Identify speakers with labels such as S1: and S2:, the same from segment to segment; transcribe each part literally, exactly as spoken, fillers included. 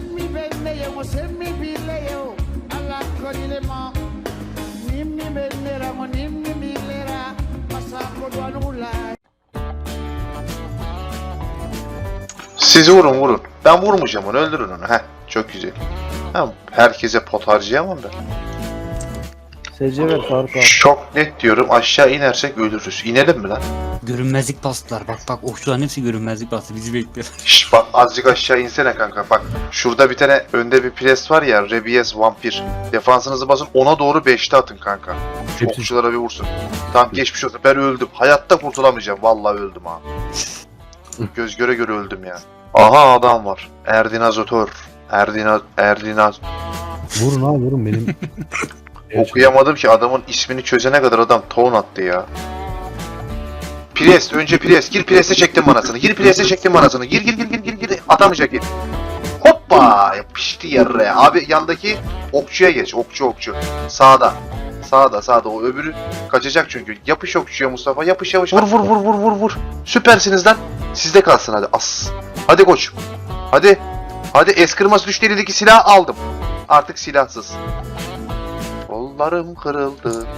S1: Nimmi benne mo semmi bille yo alla kodile ma nimmi benne ra mo nimmi bille ra masako duanula.
S2: Sizi vurun vurun. Ben vurmayacağım onu, öldürün onu. Heh, çok güzel. Ha, herkese pot harcayamam ben.
S3: S C ver Faruk abi.
S2: Çok net diyorum, aşağı inersek ölürüz. İnelim mi lan?
S4: Görünmezlik bastılar. Bak bak okçuların hepsi görünmezlik bastı. Bizi bekliyor.
S2: Şş bak, azıcık aşağı insene kanka. Bak şurada bir tane önde bir pres var ya, Rebies vampir. Defansınızı basın, ona doğru beşte atın kanka. Şu
S3: Hepsi-
S2: okçulara bir vursun. Tamam, geçmiş olsun, ben öldüm. Hayatta kurtulamayacağım, vallahi öldüm ha. Göz göre göre öldüm ya. Aha, adam var. Erdinazotör. Erdinaz... Erdinaz...
S3: Vurun abi vurun benim.
S2: Okuyamadım ki, adamın ismini çözene kadar adam ton attı ya. Priest, önce Priest. Gir Priest'e çektim manasını. Gir Priest'e çektim manasını. Gir gir gir gir gir gir. Atamayacak gir. Hoppa! Yapıştı yere. Abi yandaki okçuya geç. Okçu okçu. Sağda. Sağda sağda. O öbürü kaçacak çünkü. Yapış okçuya Mustafa. Yapış yapış. Vur vur vur vur vur vur. Süpersiniz lan. Sizde kalsın hadi. As. Hadi koç. Hadi. Hadi, eskırması düştü, elindeki silahı aldım. Artık silahsız. Kollarım kırıldı.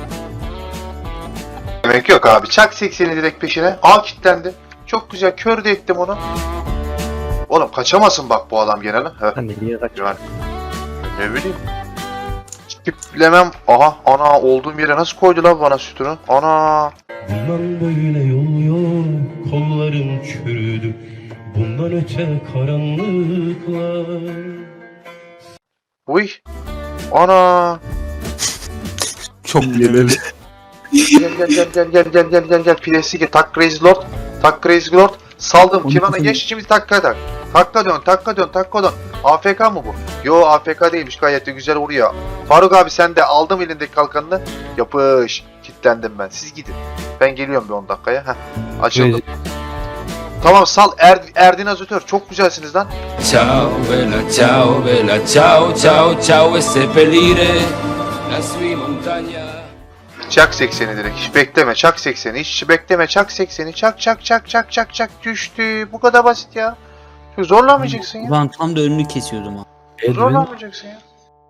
S2: Demek yok abi. Çak sekseni direkt peşine. A kilitlendi. Çok güzel. Kör de ettim onu. Oğlum kaçamasın bak bu adam gene lan. Heh.
S3: Sen nereye kaç?
S2: Yani. Ne bileyim. Tiplemem. Aha, ana, olduğum yere nasıl koydu lan bana sütunu? Ana.
S5: Bundan böyle yol yok, kollarım çürüdü. Bundan öte karanlıklar.
S2: Uy. Ana.
S4: Çok
S3: Gelelim.
S2: Gel gel gel gel gel gel gel gel gel. Piresi gel. Tak Crazy Lord. Tak Crazy Lord. Saldım.
S3: Onu
S2: Kivana
S3: kesin-
S2: geç, şimdi takka tak. Takka dön, takka dön, takka dön. A F K mı bu? Yo, A F K değilmiş, gayet de güzel vuruyor. Faruk abi sen de, aldım elindeki kalkanını. Yapış. Kitlendim ben. Siz gidin. Ben geliyorum bir on dakikaya. Heh. Açıldım. Tamam, sal er, Erdinazotör. Çok güzelsiniz lan.
S6: Ciao bella, ciao bella, ciao ciao ciao e seppellire la sua montagna.
S2: Çak sekseni direkt. Hiç bekleme. Çak sekseni. Hiç bekleme. Çak sekseni. Çak çak çak çak çak çak. Düştü. Bu kadar basit ya. Çok zorlamayacaksın ya.
S4: Ben tam da önünü kesiyordum ha.
S3: Edwin
S2: Zorlamayacaksın ya.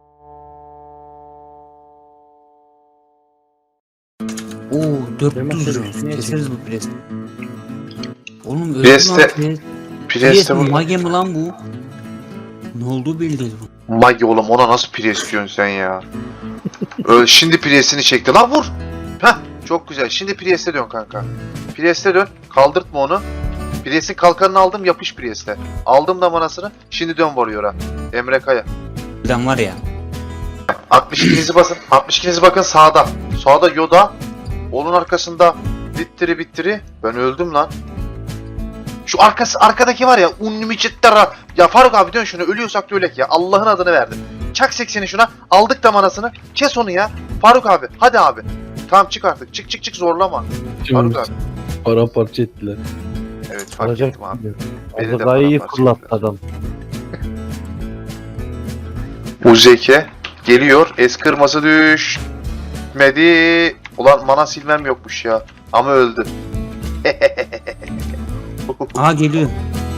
S4: Oo dört
S3: Demek
S4: yüz
S3: ki
S4: lira.
S3: niye
S4: Keseriz bu presi. Oğlum öldü
S2: Priest'e-
S4: lan pres.
S2: Priest'e
S4: Priest
S2: vur.
S4: mage mi lan bu? Ne olduğu belli değil bu.
S2: Magi oğlum, ona nasıl Priest diyorsun sen ya? Öyle, şimdi Priest'ini çekti. Lan vur. Heh, çok güzel. Şimdi Priest'e dön kanka. Priest'e dön. Kaldırtma onu. Priest'in kalkanını aldım. Yapış Priest'e. Aldım da manasını. Şimdi dön Warrior'a. Emre Kaya.
S4: Birden var ya.
S2: altmış ikinizi basın. altmış ikinizi bakın sağda. Sağda Yoda. Onun arkasında bittiri bittiri. Ben öldüm lan. Şu arkası, arkadaki var ya, Unlimited. Ya Faruk abi dön şunu, ölüyorsak da ölek ya. Allah'ın adını verdim. Çak sekseni şuna. Aldık da manasını. Kes onu ya. Faruk abi. Hadi abi. Tamam, çık artık. Çık çık çık, zorlama. Faruk abi.
S3: paramparça ettiler.
S2: Evet, fark
S3: Alacak
S2: ettim abi.
S3: mı?
S2: Beni de
S3: Azrail'i
S2: paramparça
S3: fırlattı
S2: ettiler.
S3: adam.
S2: Uzeke geliyor. Es kırması düşmedi. Ulan mana silmem yokmuş ya. Ama öldü.
S4: Aha geliyor.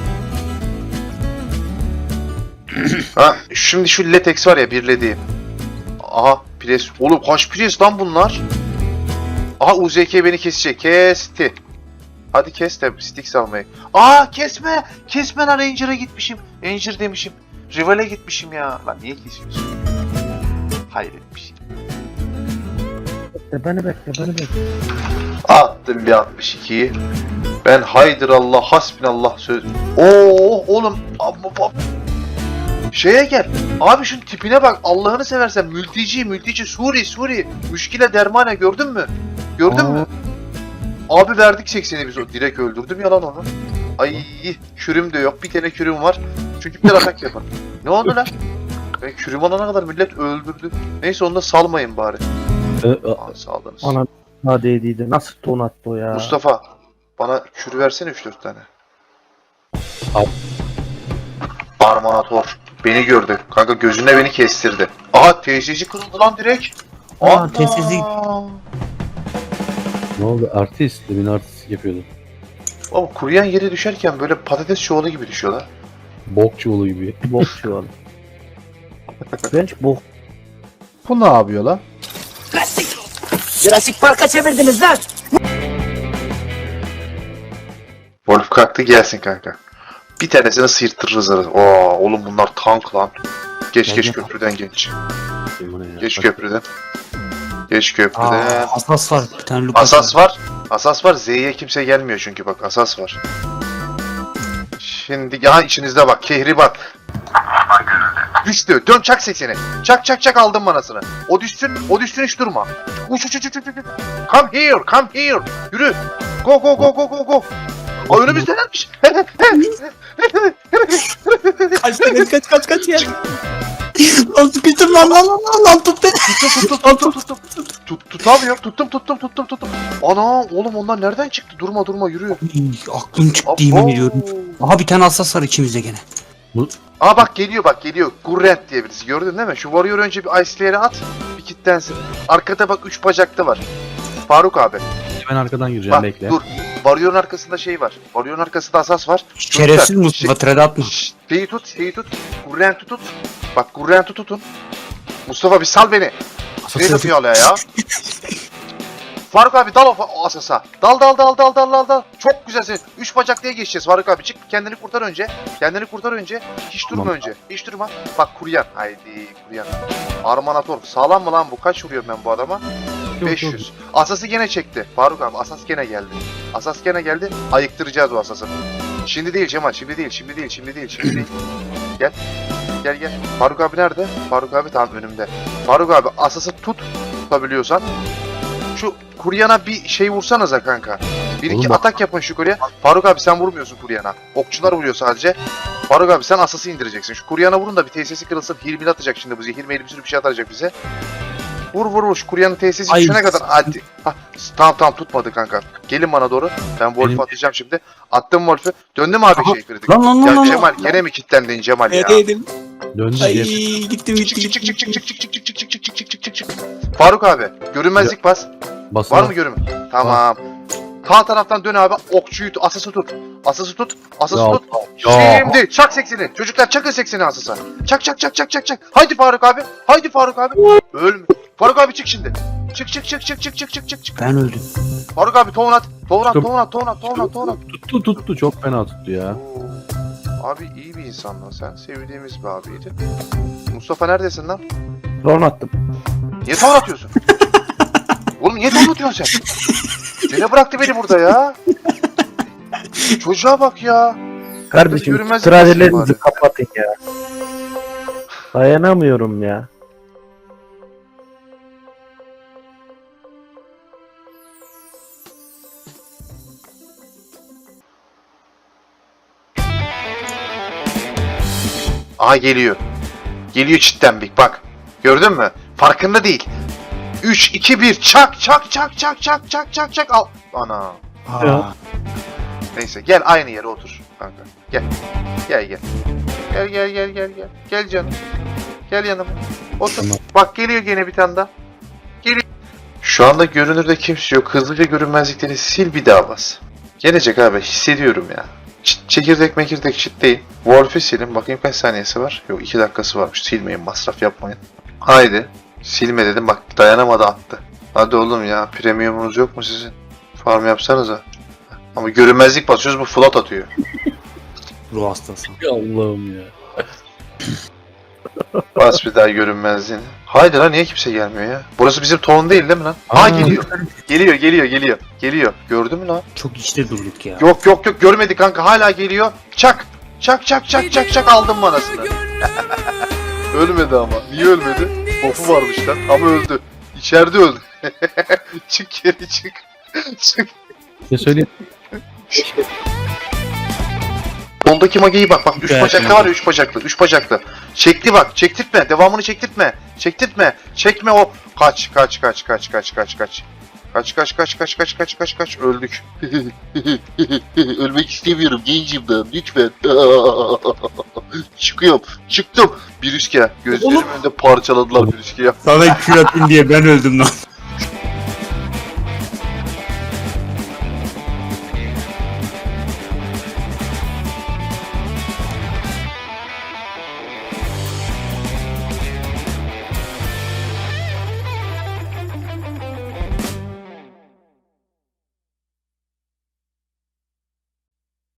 S2: Ha, şimdi şu latex var ya, birlediğim. Aha, pres. Oğlum kaç pres lan bunlar? Aha, U Z K beni kesecek. Kesti. Hadi kes de stick almayı. Aa, kesme. Kesme lan, Ranger'a gitmişim. Ranger demişim. Rival'e gitmişim ya. Lan niye kesiyorsun? Hayret bir şey.
S3: Bekle beni bekle beni bekle.
S2: Attım bir altmış ikiyi. Ben haydır Allah, hasbinallah söz. Oo oğlum. Amma, amma. Şeye gel. Abi şunun tipine bak. Allah'ını seversen, mülteci mülteci Suri Suri. Müşkile dermane, gördün mü? Gördün
S3: Aa.
S2: mü? Abi verdik sekseni biz, o direkt öldürdüm yalan onu. Ay, kürüm de yok. Bir tane kürüm var. Çünkü bir atak yapar. Ne oldu lan? Ben kürüm alana kadar millet öldürdü. Neyse, onu da salmayın bari.
S3: Ee,
S2: Aa, saldınız.
S3: Ana ha dediydi. Nasıl ton attı o ya?
S2: Mustafa, bana kür versene üç dört tane.
S3: Al.
S2: Armanator. Beni gördü. Kanka gözüne beni kestirdi. Aha, T C C kırıldı lan direkt.
S4: Aa,
S2: Ana!
S4: T C C.
S3: Ne oldu? Artist. Demin artist yapıyordu.
S2: Oğlum, kuruyan yere düşerken böyle patates çuvalı gibi düşüyorlar.
S3: Bok çuvalı gibi. Bok çuvalı. Bench bu.
S7: Bu ne yapıyor lan?
S8: Jurassic Park'a çevirdiniz lan.
S2: Wolf kalktı gelsin kanka. Bir tanesini sıyırtırırız arası. Oo oğlum bunlar tank lan. Geç geç köprüden geç.
S3: Bu ne ya?
S2: Geç köprüden. Geç köprüden.
S4: Aa, asas var. Bir tane Lucas
S2: Asas var. Asas var. Z'ye kimse gelmiyor çünkü bak asas var. Şimdi ya içinizde bak kehribat. Düştü. Dön çak sesini. Çak çak çak aldım manasını. O düşsün. O düşsün hiç durma. Uç uç uç uç uç. uç. Come here. Come here. Yürü. Go go go go go go. Aa önümüzdelermiş.
S4: Kaç kaç kaç kaç kaç ya. Lan sıkıştım lan lan lan lan lan tut beni.
S2: Tuttum tuttum tuttum tuttum. Tut, tutamıyorum. Tuttum tuttum tuttum tuttum. Ana oğlum onlar nereden çıktı? Durma durma yürü.
S4: Ay, aklım çıktı yemin ediyorum. Aha bir tane asas var içimizde gene.
S2: Aa bak geliyor bak geliyor. Gurrent diye birisi gördün değil mi? Şu Warrior önce bir Ice'lere at. Bir kitlensin. Arkada bak üç bacaklı var. Faruk abi.
S3: Ben arkadan gireceğim
S2: Bak
S3: bekle.
S2: dur. Warrior'un arkasında şey var. Warrior'un arkasında asas var.
S4: Şerefsiz
S2: Çocuklar,
S4: Mustafa trade atma.
S2: Şşş, şeyi tut, şeyi tut. Gurrent'i tut. Bak Gurrent'i tutun. Mustafa bir sal beni. Ne yapıyor hala ya? Faruk abi dal o, o asasa. Dal dal dal dal dal dal dal. Çok güzelsin. Üç bacak diye geçeceğiz Faruk abi. Çık kendini kurtar önce. Kendini kurtar önce. Hiç durma
S3: Tamam.
S2: önce. Hiç durma. Bak kuryan. Haydi kuryan. Armanator. Sağlam mı lan bu? Kaç vuruyorum ben bu adama? beş yüz. Asası gene çekti. Faruk abi asas gene geldi. Asas gene geldi. Ayıktıracağız o asası. Şimdi değil Cemal. Şimdi değil. Şimdi değil. Şimdi değil. Şimdi değil. Gel. Gel gel. Faruk abi nerede? Faruk abi tam önümde. Faruk abi asası tut. Tutabiliyorsan. Şu kuryana bir şey vursanıza kanka. Bir iki
S3: Oğlum bak-
S2: atak yapın şu kurya. Faruk abi sen vurmuyorsun kuryana. Okçular vuruyor sadece. Faruk abi sen asası indireceksin. Şu kuryana vurun da bir tesisi kırılsın. Hilmil atacak şimdi bu zehir meyli bir sürü bir şey atacak bize. Vur vur vur şu kuryanın tesisi
S4: Ay.
S2: düşene kadar. Hadi. Hah, tamam tamam tutmadı kanka. Gelin bana doğru. Ben Wolf'u
S3: Benim-
S2: atacağım şimdi. Attım Wolf'u. Döndü mü abi
S4: Aha.
S2: şey kritik?
S4: Lan lan lan
S2: Ya
S4: lan.
S2: Cemal gene mi kilitlendin Cemal ya?
S4: Neredeydim?
S3: Döndü
S4: Ay
S3: gel.
S4: gittim
S2: Çık
S4: gittim
S2: çık çık
S4: gittim.
S2: çık çık çık çık çık çık çık çık çık çık çık çık. Faruk abi görünmezlik bas.
S3: Basın.
S2: Var mı görünme? Tamam. Sağ taraftan dön abi. Okçuyu tut. Asası tut. Asası tut. Asası
S3: Ya,
S2: tut.
S3: ya.
S2: Şimdi çak seksini. Çocuklar çakın seksini asasa. Çak çak çak çak çak çak. Haydi Faruk abi. Haydi Faruk abi. Ölme. Faruk abi çık şimdi. Çık çık çık çık çık çık çık çık çık.
S4: Ben öldüm.
S2: Faruk abi tohum at. Tohum at
S3: Tuttum.
S2: tohum at tohum at tohum at tohum at.
S3: Tuttu tuttu çok fena tuttu ya.
S2: Oo. Abi iyi bir insan lan sen. Sevdiğimiz bir abiydi. Mustafa neredesin lan?
S3: Drone attım.
S2: Niye tohum atıyorsun? Oğlum niye tohum atıyorsun sen? Gene bıraktı beni burada ya. Çocuğa bak ya.
S3: Kardeşim
S2: Yürümez
S3: tradelerinizi
S2: misin
S3: kapatın ya. Dayanamıyorum ya.
S2: Aha geliyor. Geliyor çitten bir bak. Gördün mü? Farkında değil. üç, iki, bir çak çak çak çak çak çak çak çak al. Ana.
S4: Aa,
S2: Neyse gel aynı yere otur kanka. Gel. Gel gel. Gel gel gel gel gel. Gel canım. Gel yanıma. Otur.
S3: Tamam.
S2: Bak geliyor gene bir tane daha. Geliyor. Şu anda görünürde kimse yok. Hızlıca görünmezlikleri sil bir daha bas. Gelecek abi hissediyorum ya. Çıt, çekirdek mekirdek çıt değil. Wolf'u silin. Bakayım kaç saniyesi var. Yok iki dakikası varmış. Silmeyin masraf yapmayın. Haydi. Silme dedim bak dayanamadı attı. Hadi oğlum ya premiumunuz yok mu sizin? Farm yapsanıza. Ama görünmezlik basıyoruz bu float atıyor.
S4: ruh hastası.
S3: Allah'ım ya.
S2: Bas bir daha görünmezliğini. Haydi lan niye kimse gelmiyor ya? Burası bizim ton değil değil mi lan? Aa
S3: Aa.
S2: geliyor. Geliyor geliyor geliyor. Geliyor. Gördün mü lan?
S4: Çok işte durduk ya.
S2: Yok yok yok görmedi kanka hala geliyor. Çak. Çak çak çak çak çak aldım manasını. Ölmedi ama. Niye ölmedi? Bofu varmış lan ama öldü. İçeride öldü. Çık geri çık. Çık.
S3: Ne söyleyeyim?
S2: Soldaki mageyi bak bak üç
S4: Evet,
S2: bacaklı
S4: tamam.
S2: var ya üç bacaklı üç bacaklı. Çekti bak çektirtme devamını çektirtme. Çektirtme çekme o. Kaç kaç kaç kaç kaç kaç kaç. Kaç kaç kaç kaç kaç kaç kaç kaç öldük. Ölmek istemiyorum gencim ben lütfen. Çıkıyorum çıktım. Bir üske gözlerimin önünde parçaladılar bir üske ya.
S4: Sana kül atayım diye ben öldüm lan.